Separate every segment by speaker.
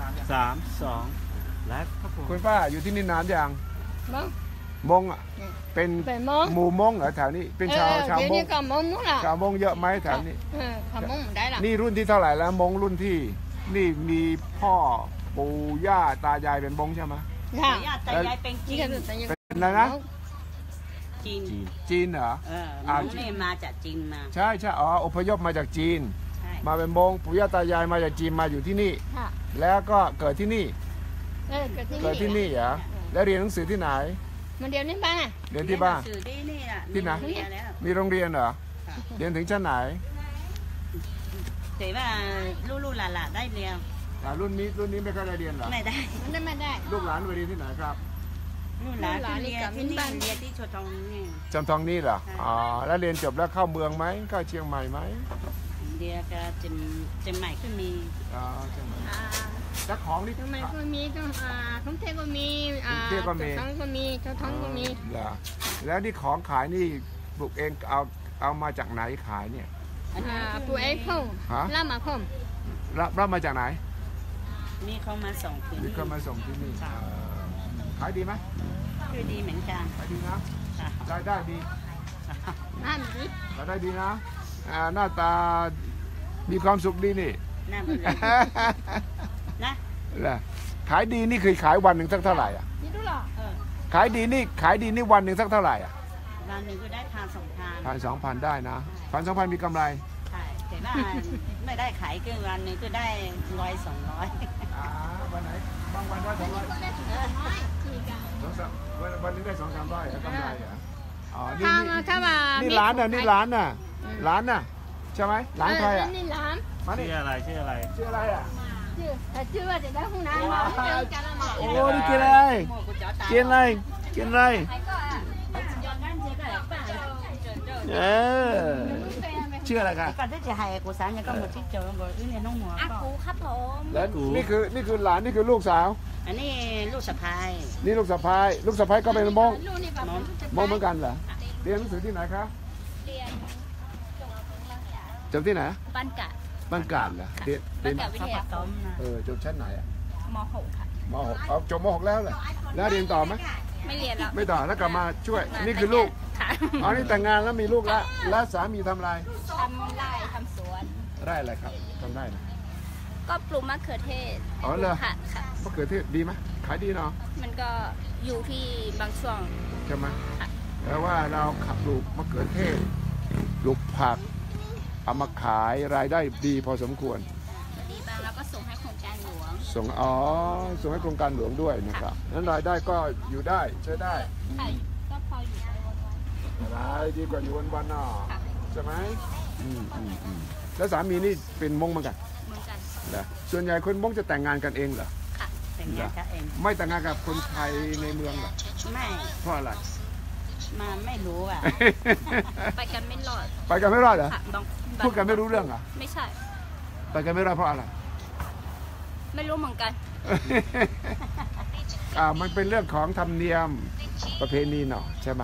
Speaker 1: 3 2แล้วครับผม
Speaker 2: คุณป้าอยู่ที่นี่นานยังมงอ่ะเป็นหมู่มงเหรอแถวนี้เป็นชาวมงชาวมงเยอะไหมแถวนี้นี่รุ่นที่เท่าไหร่แล้วมงรุ่นที่นี่มีพ่อปู่ย่าตายายเป็นมงใช่ไหม
Speaker 3: ปู่ย่าตายายเป็นจีน
Speaker 2: เป็นอะไรนะจีนเหรอ
Speaker 3: นี่มาจากจีนมา
Speaker 2: ใช่อ๋ออพยพมาจากจีนมาเป็นมงปู่ย่าตายายมาจากจีนมาอยู่ที่นี่แล้วก็เกิดที่นี่เกิดที่นี่เหรอแล้วเรียนหนังสือที่ไหน
Speaker 3: มันเรียนที่บ้าน
Speaker 2: เรียนที่บ้านที่ไหนมีโรงเรียนเหรอเรียนถึงชั้นไหน
Speaker 3: แต่ว่าลูกหลานได้เรียน
Speaker 2: รุ่นนี้ไม่ค่อยได้เรียนเหรอ
Speaker 3: ไม่ได้
Speaker 2: ลูกหลานไปเรียนที่ไหนครับ
Speaker 3: ลูกหลานเรียนที่นี่เรียนที่ชลทองนี่
Speaker 2: จำทองนี่เหรออ๋อแล้วเรียนจบแล้วเข้าเมืองไหมเข้าเชียงใหม่ไหม
Speaker 3: เรียนก็เชียงใหม่ก็มี
Speaker 2: เชียงใหม่แล้วของนี่
Speaker 3: เชียงใหม่ก็มีท่องเที่ยวก็มี
Speaker 2: เที่ยวก็มี
Speaker 3: ท้องก็มีเจ้าท้องก็มี
Speaker 2: แล้วนี่ของขายนี่ปลูกเองเอามาจากไหนขายเนี่ย
Speaker 3: ปลูกเองพ่อรับมาพ่อ
Speaker 2: รับมาจากไหน
Speaker 3: นี่เขามาส่งที่นี่
Speaker 2: เขามาส่งที่นี่ขายดีไหม
Speaker 3: ดีเหมือนกัน
Speaker 2: ขายดีนะรายได้ดีรายได้ดีนะหน้าตามีความสุขดีนี่นะขายดีนี่คือขายวันหนึ่งสักเท่าไหร่อ่ะขายดีนี่วันหนึ่งสักเท่าไหร่อ่ะ
Speaker 3: วันหนึ่งก็ได้
Speaker 2: 1,000-2,000ได้นะ1,000-2,000มีกำไร
Speaker 3: ใช่แต่ว่าไม่ได้ขายก็วันหนึ่งก็ได้100-200
Speaker 2: วันไหนบางวันได้200วันนี้ได้200-300กำไรอ่ะอ๋อนี่ร้านน่ะร้านน่ะใช่ไหมร้านใครอ่ะ
Speaker 3: นี่ร้าน
Speaker 1: ชื่ออะไร
Speaker 2: อ่ะ
Speaker 3: ชื่อว่าจะได้ห้องน้ำ
Speaker 2: โอ้นี่กินอะไรชื่ออะไรครับ
Speaker 3: ก่อนที่จะให้กูสาวเนี่ยก็หมดที่เจอหมดที่เนี่ยน้องหมอกูครับผม
Speaker 2: แล้วนี่คือหลานนี่คือลูกสาว
Speaker 3: อันนี้ลูกสะพ้าย
Speaker 2: นี่ลูกสะพ้ายก็เป็นมงเหมือนกันเหรอเรียนหนังสือที่ไหนครับ
Speaker 3: เรียน
Speaker 2: จบที่ไหน
Speaker 3: บ้านกาด
Speaker 2: เหรอ
Speaker 3: บ้านกาดวิทยาคม
Speaker 2: จบชั้นไหนอ่ะ
Speaker 3: ม.6 ค่ะ
Speaker 2: ม.6เอาจบม.6แล้วเหรอแล้วเรียนต่อไหม
Speaker 3: ไม่เรียนแล้ว
Speaker 2: ไม่ต่อแล้วกลับมาช่วยนี่คือลูกอ๋อนี่แต่งงานแล้วมีลูกแล้วสามีทำอะไร
Speaker 3: ทำไร่ทำสวน
Speaker 2: ไร่อะไรครับทำไร่นะ
Speaker 3: ก็ปลูกมะเขือเทศ
Speaker 2: อ๋อเหรอมะเขือเทศดีไหมขายดีเนาะ
Speaker 3: มันก็อยู่ที่บางช่วง
Speaker 2: ใช่ไหมแล้วว่าเราขับปลูกมะเขือเทศปลูกผักเอามาขายรายได้ดีพอสมควร
Speaker 3: ดีบ้างแล้วก็ส่งให้โครงการหลวง
Speaker 2: ส่งให้โครงการหลวงด้วยนะครับนั้นรายได้ก็อยู่ได้ใช้ได้
Speaker 3: ก็พออยู่
Speaker 2: รายดีกว่าอยู่วันๆน่ะใช่ไหมแล้วสามีนี่เป็นมงเหมือนกันนะส่วนใหญ่คนมงจะแต่งงานกันเองเหรอ
Speaker 3: ค่ะแต่งงานกันเอง
Speaker 2: ไม่แต่งงานกับคนไทยในเมืองเหรอ
Speaker 3: ไม่
Speaker 2: เพราะอะไร
Speaker 3: มาไม่รู้อ่ะไปกันไม่รอด
Speaker 2: เหรอพูดกันไม่รู้เรื่องอ่ะ
Speaker 3: ไม่ใช่
Speaker 2: ไปกันไม่รอดเพราะอะไร
Speaker 3: ไม่รู้เหมือนกัน
Speaker 2: มันเป็นเรื่องของธรรมเนียมประเพณีเนาะใช่ไหม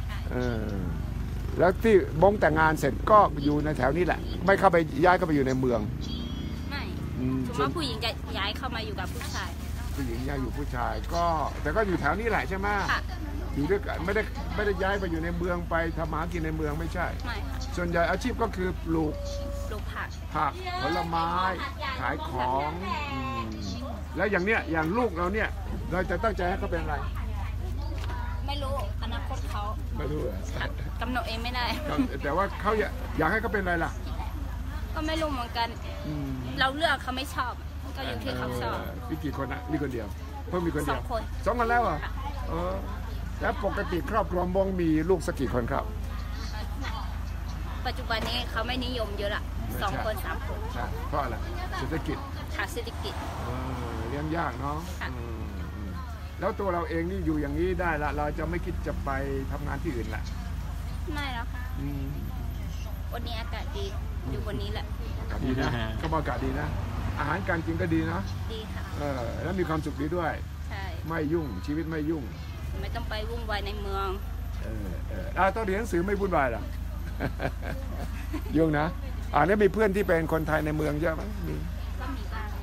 Speaker 2: แล้วที่มงแต่งงานเสร็จก็อยู่ในแถวนี้แหละไม่เข้าไปย้ายเข้าไปอยู่ในเมือง
Speaker 3: ไม่ถือว่าผู้หญิงจะย้ายเข้ามาอยู่กับผู้ชาย
Speaker 2: ผู้หญิงย้ายอยู่ผู้ชายก็แต่ก็อยู่แถวนี้แหละใช่ไหมอยู่ด้วยกันไม่ได้ย้ายไปอยู่ในเมืองไปทำหากินในเมืองไม่ใช่ส่วนใหญ่อาชีพก็คือปลูกผักผลไม้ขายของแล้วอย่างลูกเราเนี่ยเราจะตั้งใจให้เขาเป็นอะไร
Speaker 3: ไม่รู้อนาคตเขา
Speaker 2: ไม่รู้
Speaker 3: กำหนดเองไม่ได้
Speaker 2: แต่ว่าเขาอยากให้เขาเป็นอะไรล่ะ
Speaker 3: ก็ไม่รู้เหมือนกันเราเลือกเขาไม่ชอบก็อยู่ที่เขาชอบ
Speaker 2: มีกี่คนนะมีคนเดียวเพิ่มมีคนเดียว
Speaker 3: 2 คน
Speaker 2: แล้วเหรอแล้วปกติครอบครัวมงมีลูกสักกี่คนครับ
Speaker 3: ปัจจุบันนี้เขาไม่นิยมเยอะละ2 คน 3 คน
Speaker 2: เพราะอะไรเศรษฐกิจเลี้ยงยากเนาะแล้วตัวเราเองนี่อยู่อย่างนี้ได้ละเราจะไม่คิดจะไปทำงานที่อื่นละ
Speaker 3: ไม่แล้วค่ะวันนี้อากาศดีอยู่บนนี้แหละ
Speaker 2: อากาศดีนะก็อากาศดีนะอาหารการกินก็ดีนะ
Speaker 3: ดีค่ะ
Speaker 2: แล้วมีความสุขดีด้วย
Speaker 3: ใช่
Speaker 2: ไม่ยุ่งชีวิตไม่ยุ่ง
Speaker 3: ไม่ต้องไปวุ่นวายในเมือง
Speaker 2: ต้องเรียนหนังสือไม่วุ่นวายหรอยุ่งนะนี่มีเพื่อนที่เป็นคนไทยในเมืองเยอะไหม
Speaker 3: ก็มีบ้าง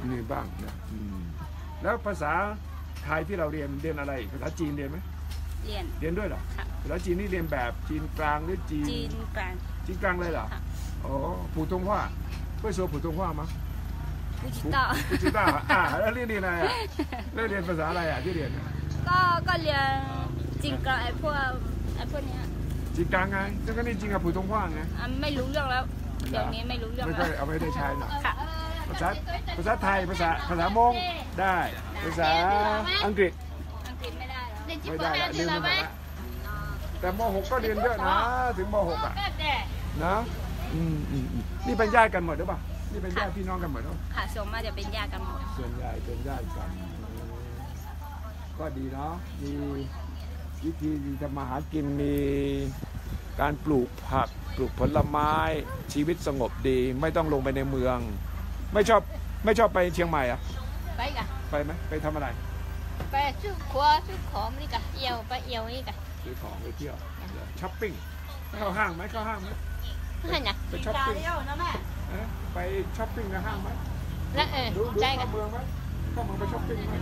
Speaker 2: มีบ้างนะแล้วภาษาไทยที่เราเรียนอะไรภาษาจีนเรียนไหม
Speaker 3: เรียน
Speaker 2: ด้วยเหรอ
Speaker 3: ค่ะ
Speaker 2: ภาษาจีนนี่เรียนแบบจีนกลางหรือจีน
Speaker 3: กลาง
Speaker 2: จีนกลางเลยเหรออ๋อ普通话会说普通话吗不知道แล้วเรียนอะไรอ่ะแล้วเรียนภาษาอะไรอ่ะที่เรียน
Speaker 3: ก็เรียนจีนกลางไอ้พวกเนี้ย
Speaker 2: จีนกลางไงแล้วก็นี่จีนกับ普通话ไง
Speaker 3: ไม่รู้เรื่องแล้วเดี๋ยวนี้ไม่รู้เรื่องแล้ว
Speaker 2: เอาไม่ได้ใช้หรอกภาษาไทยภาษามงได้ภาษาอังกฤษ
Speaker 3: ไม่ได้
Speaker 2: แล้วลืมไปหมดแล้วแต่ม.6 ก็เรียนเยอะนะถึงม.6 อ่ะนะนี่เป็นญาติกันหมดหรือเปล่านี่เป็นญาติพี่น้องกันหมดหรอ
Speaker 3: ค่ะส่วนมากจะเป็นญาติกันหมด
Speaker 2: ส่วนใหญ่เป็นญาติกันก็ดีเนาะมีวิธีทำมาหากินมีการปลูกผักปลูกผลไม้ชีวิตสงบดีไม่ต้องลงไปในเมืองไม่ชอบไปเชียงใหม่อ่ะไปไหมไปทำอะไร
Speaker 3: ไปซื้อของนี่กะเไปเอี่ยวนี่กะ
Speaker 2: ซื้อของไปเที่ยวช้อปปิ้งเข้าห้างไหมไปช้อปปิ้งไปช้อปปิ้งในห้างไหมดูเมืองไหมเข้าเมืองไปช้อปปิ้งไหม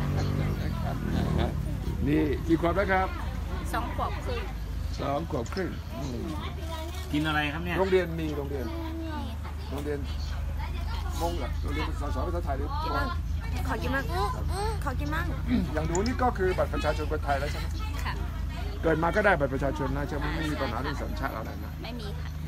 Speaker 2: นี่กี่ขวบแล้วครับ
Speaker 3: 2 ขวบครึ่ง
Speaker 2: 2 ขวบครึ่ง
Speaker 1: กินอะไรครับเนี่ย
Speaker 2: โรงเรียนมงเหรอโรงเรียนสอนภาษาไทยหรือ
Speaker 3: ขอกินมั่ง
Speaker 2: อย่างดูนี่ก็คือบัตรประชาชนคนไทยแล้วใช่ไหม
Speaker 3: ค่ะ
Speaker 2: เกิดมาก็ได้บัตรประชาชนนะใช่ไหมไม่มีปัญหาเรื่องสัญชาติอะไรนะ
Speaker 3: ไม่มีค่ะ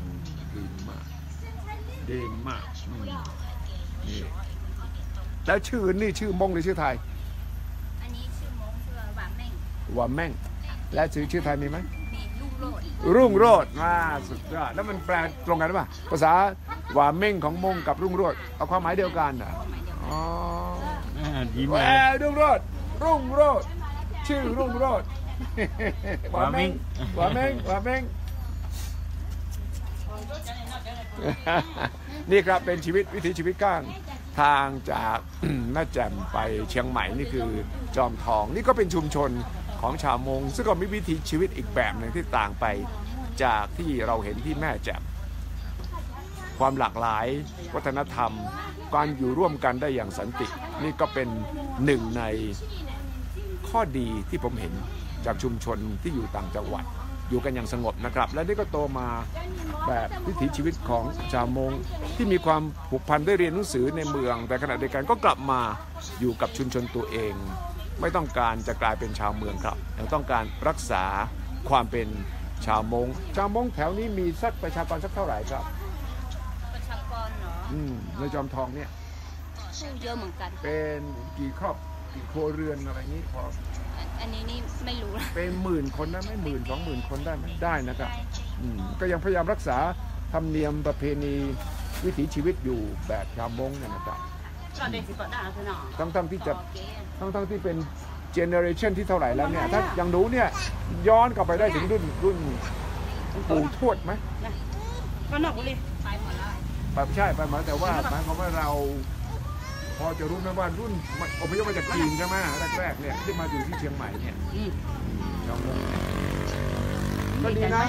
Speaker 2: ดีมากนี่แล้วชื่อนี่ชื่อมงหรือชื่อไทย
Speaker 3: อันนี้ชื่อมงชื่อหวาน
Speaker 2: แม่งและชื่อไทยมีไหม
Speaker 3: มี
Speaker 2: รุ่งโรจน์สุดยอดแล้วมันแปลตรงกันหรือเปล่าภาษาหวานเม่งของมงกับรุ่งโรจน์เอาความหมายเดียวกันอ๋อ
Speaker 1: ยิ้ม
Speaker 2: เลยรุ่งโรจน์ชื่อรุ่งโรจน์หวานเม่งนี่ครับเป็นวิถีชีวิตก้างทางจากแม่แจ่มไปเชียงใหม่นี่คือจอมทองนี่ก็เป็นชุมชนของชาวมงซึ่งก็มีวิถีชีวิตอีกแบบหนึ่งที่ต่างไปจากที่เราเห็นที่แม่แจ่มความหลากหลายวัฒนธรรมการอยู่ร่วมกันได้อย่างสันตินี่ก็เป็นหนึ่งในข้อดีที่ผมเห็นจากชุมชนที่อยู่ต่างจังหวัดอยู่กันอย่างสงบนะครับและนี่ก็โตมาแบบวิถีชีวิตของชาวมงที่มีความผูกพันได้เรียนหนังสือในเมืองแต่ขณะเดียวกันก็กลับมาอยู่กับชุมชนตัวเองไม่ต้องการจะกลายเป็นชาวเมืองครับยังต้องการรักษาความเป็นชาวมงแถวนี้มีประชากรสักเท่าไหร่ครับ
Speaker 3: ประชากรเหรอ
Speaker 2: ในจอมทองเนี่ย
Speaker 3: เยอะเหมือนกัน
Speaker 2: เป็นกี่ครอบกี่ครัวเรือนอะไรนี้พอ
Speaker 3: อันนี้นี่ไม่รู้
Speaker 2: เป็น10,000 คนได้ไหม10,000-20,000 คนได้ไหมได้นะครับก็ยังพยายามรักษาธรรมเนียมประเพณีวิถีชีวิตอยู่แบบชาวมงเนี่ยนะครับทั้งที่เป็นเจเนอเรชันที่เท่าไหร่แล้วเนี่ยถ้ายังรู้เนี่ยย้อนกลับไปได้ถึงรุ่นปู่ทวดไหม
Speaker 3: ก็นอกเลยไปหมดแล้ว
Speaker 2: ใช่ไปหมดแต่ว่าหมายความว่าเราพอจะรู้ไหมว่ารุ่นอพยพมาจากจีนใช่ไหมแรกเนี่ยที่มาอยู่ที่เชียงใหม่เนี่ยก็ดีนะ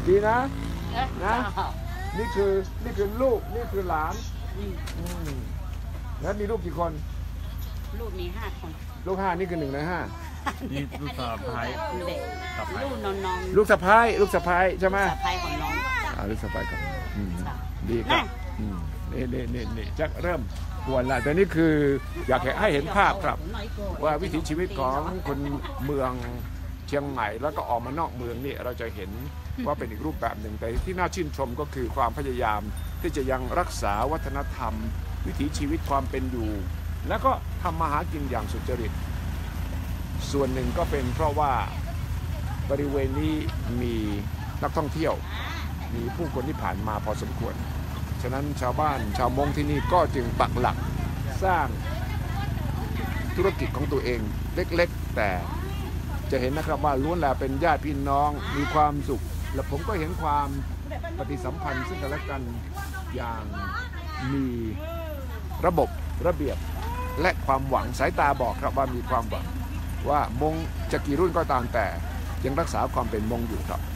Speaker 2: นี่คือลูกนี่คือหลานแล้วมีลูกกี่คน
Speaker 3: ลูกมี5 คน
Speaker 2: ลูก5นี่คือ1 ใน 5
Speaker 1: นี่ลูกสะพ้าย
Speaker 2: ลูกสะพ้ายใช่ไหม
Speaker 3: สะพ้ายของน้อง
Speaker 2: ลูกสะพ้ายครับดีครับนี่จะเริ่มกวนละแต่นี่คืออยากให้เห็นภาพครับว่าวิถีชีวิตของคนเมืองเชียงใหม่แล้วก็ออกมานอกเมืองนี่เราจะเห็นว่าเป็นอีกรูปแบบหนึ่งแต่ที่น่าชื่นชมก็คือความพยายามที่จะยังรักษาวัฒนธรรมวิถีชีวิตความเป็นอยู่แล้วก็ทำมาหากินอย่างสุจริตส่วนหนึ่งก็เป็นเพราะว่าบริเวณนี้มีนักท่องเที่ยวมีผู้คนที่ผ่านมาพอสมควรฉะนั้นชาวบ้านชาวมงที่นี่ก็จึงปักหลักสร้างธุรกิจของตัวเองเล็กๆแต่จะเห็นนะครับว่าล้วนแล้วเป็นญาติพี่น้องมีความสุขและผมก็เห็นความปฏิสัมพันธ์ซึ่งกันและกันอย่างมีระบบระเบียบและความหวังสายตาบอกครับว่ามีความหวังว่ามงจะกี่รุ่นก็ตามแต่ยังรักษาความเป็นมงอยู่ครับ